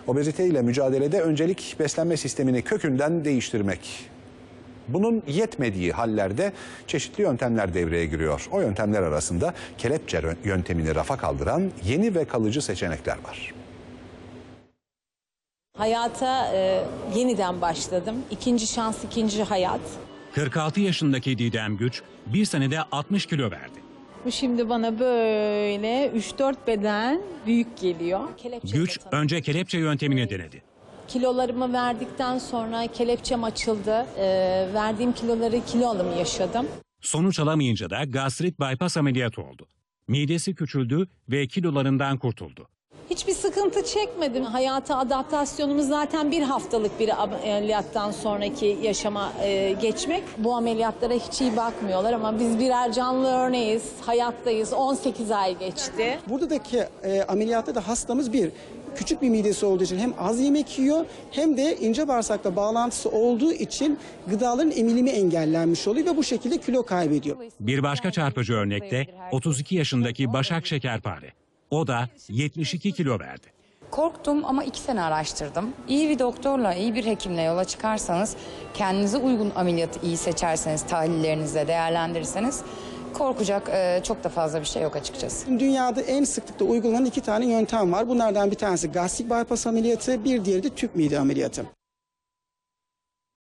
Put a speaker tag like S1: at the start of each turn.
S1: Obeziteyle mücadelede öncelik beslenme sistemini kökünden değiştirmek. Bunun yetmediği hallerde çeşitli yöntemler devreye giriyor. O yöntemler arasında kelepçe yöntemini rafa kaldıran yeni ve kalıcı seçenekler var.
S2: Hayata yeniden başladım. İkinci şans, ikinci hayat.
S3: 46 yaşındaki Didem Güç bir senede 60 kilo verdi.
S2: Bu şimdi bana böyle 3-4 beden büyük geliyor.
S3: Güç önce kelepçe yöntemini denedi.
S2: Kilolarımı verdikten sonra kelepçem açıldı. Verdiğim kiloları kilo alımı yaşadım.
S3: Sonuç alamayınca da gastrit bypass ameliyatı oldu. Midesi küçüldü ve kilolarından kurtuldu.
S2: Hiçbir sıkıntı çekmedim. Hayata adaptasyonumuz zaten bir haftalık bir ameliyattan sonraki yaşama geçmek. Bu ameliyatlara hiç iyi bakmıyorlar ama biz birer canlı örneğiz, hayattayız. 18 ay geçti.
S4: Buradaki ameliyatta da hastamız küçük bir midesi olduğu için hem az yemek yiyor hem de ince bağırsakla bağlantısı olduğu için gıdaların emilimi engellenmiş oluyor ve bu şekilde kilo kaybediyor.
S3: Bir başka çarpıcı örnekte 32 yaşındaki Başak Şekerpare. O da 72 kilo verdi.
S5: Korktum ama 2 sene araştırdım. İyi bir doktorla, iyi bir hekimle yola çıkarsanız, kendinize uygun ameliyatı iyi seçerseniz, tahlillerinizle değerlendirirseniz korkacak çok da fazla bir şey yok açıkçası.
S4: Dünyada en sıklıkla uygulanan 2 tane yöntem var. Bunlardan bir tanesi gastrik bypass ameliyatı, bir diğeri de tüp mide ameliyatı.